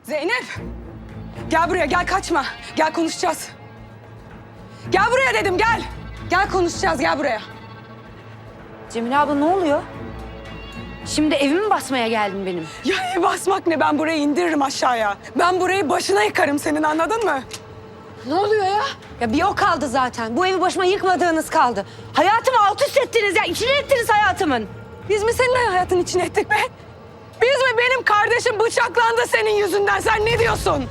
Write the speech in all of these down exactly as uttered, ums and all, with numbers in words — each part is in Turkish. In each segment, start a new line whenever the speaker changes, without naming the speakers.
Zeynep! Gel buraya, gel kaçma. Gel konuşacağız. Gel buraya dedim, gel. Gel konuşacağız, gel buraya.
Cemile abla ne oluyor? Şimdi evimi basmaya geldin benim.
Ya ev basmak ne? Ben burayı indiririm aşağıya. Ben burayı başına yıkarım senin, anladın mı?
Ne oluyor ya? Ya bir o kaldı zaten. Bu evi başıma yıkmadığınız kaldı. Hayatımı alt üst ettiniz ya. İçine ettiniz hayatımın.
Biz mi senin hayatın içine ettik be? Biz mi? Benim kardeşim bıçaklandı senin yüzünden. Sen ne diyorsun?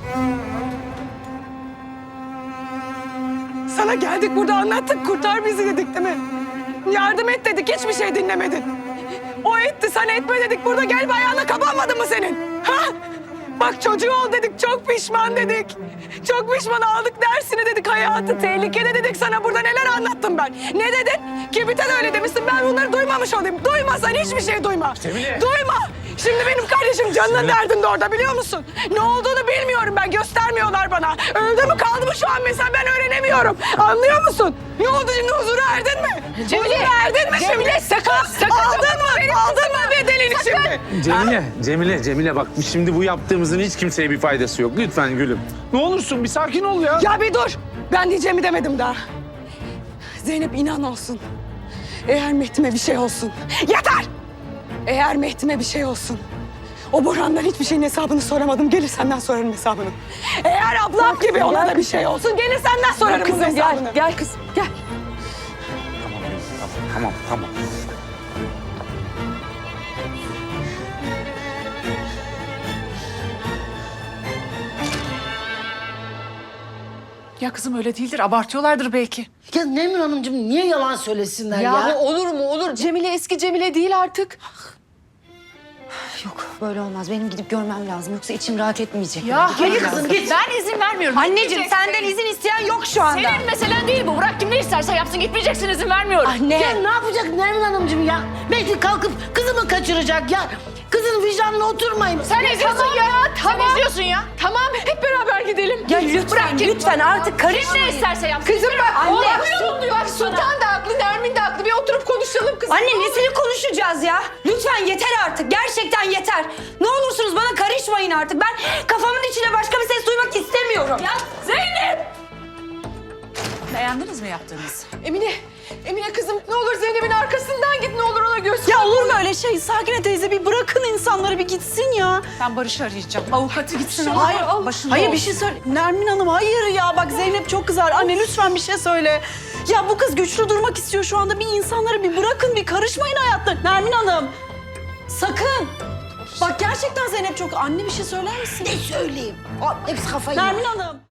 Sana geldik burada anlattık. Kurtar bizi dedik değil mi? Yardım et dedik. Hiçbir şey dinlemedin. O etti, sen etme dedik. Burada gel bir ayağına kapanmadı mı senin? Ha? Bak çocuğu ol dedik. Çok pişman dedik. Çok pişman, aldık dersini dedik. Hayatı tehlikede dedik. Sana burada neler anlattım ben. Ne dedin? Kibrit'e de öyle demişsin. Ben bunları duymamış olayım. Duymasan hiçbir şey duyma.
Cemile.
Duyma. Şimdi benim kardeşim canının derdinde orada, biliyor musun? Ne olduğunu bilmiyorum ben. Göstermiyorlar bana. Öldü mü kaldı mı şu an mesela, ben öğrenemiyorum. Anlıyor musun? Ne oldu şimdi, huzura erdin mi?
Cemile.
Huzura erdin mi
Cemile,
şimdi?
sakın, sakın.
Aldın mı? Aldın mı bedelini şimdi?
Cemile, Cemile, Cemile bak şimdi bu yaptığımızın hiç kimseye bir faydası yok. Lütfen gülüm. Ne olursun bir sakin ol ya.
Ya bir dur. Ben diyeceğimi demedim daha. Zeynep inan olsun. Eğer Mehdi'me bir şey olsun. Yeter! Eğer Mehdi'me bir şey olsun. O Burhan'dan hiçbir şeyin hesabını soramadım. Gelir senden sorarım hesabını. Eğer ablam gibi ona da bir şey olsun. Gelir senden sorarım bunun
Kızım
hesabını.
gel, gel kızım gel.
Tamam, gülüm, tamam, tamam, tamam.
Ya kızım öyle değildir. Abartıyorlardır belki.
Ya Nemrun Hanımcığım niye yalan söylesinler ya?
Ya olur mu olur? Cemile eski Cemile değil artık. Yok böyle olmaz. Benim gidip görmem lazım. Yoksa içim rahat etmeyecek.
Ya
Benim
hayır
gitmem
kızım
lazım.
git. Ben izin vermiyorum.
Anneciğim
Gitmeyeceksin.
senden izin isteyen yok şu anda.
Senin meselen değil bu. Bırak kim ne isterse yapsın. Gitmeyeceksin, izin vermiyorum.
Anne.
Ya ne yapacak Nermin Hanımcığım ya? Mehdi kalkıp kızımı kaçıracak ya. Kızın vicdanına oturmayın.
Sen izliyorsun ya. Sen izliyorsun ya.
Tamam hep beraber gidelim. Ya lütfen
Bırak git.
lütfen artık
Kim
karışmayın.
ne isterse yapsın.
Kızım bak anne.
Bak, bak Sultan da haklı, Nermin de haklı. Bir oturup konuşalım kızım.
Anne nesini konuşacağız ya? Lütfen yeter artık. Gerçekten yeter. Ne olursunuz bana karışmayın artık. Ben kafamın içine başka bir ses duymak istemiyorum.
Ya Zeynep! Beğendiniz mi yaptığınızı?
Emine, Emine kızım ne olur Zeynep'in arkasından git, ne olur ona göster.
Ya olur mu öyle şey? Sakine teyze bir bırakın insanları bir gitsin ya.
Ben Barış'ı arayacağım. Avukatı gitsin.
Hayır,
ama başında
hayır bir
olsun.
şey söyle. Nermin Hanım hayır ya bak Zeynep çok kızar. Anne lütfen bir şey söyle. Ya bu kız güçlü durmak istiyor şu anda. Bir insanları bir bırakın bir karışmayın hayatlarına. Nermin Hanım sakın. Bak gerçekten Zeynep çok... Anne bir şey söyler misin?
Ne söyleyeyim? Aa, hepsi kafayı.
Nermin Hanım.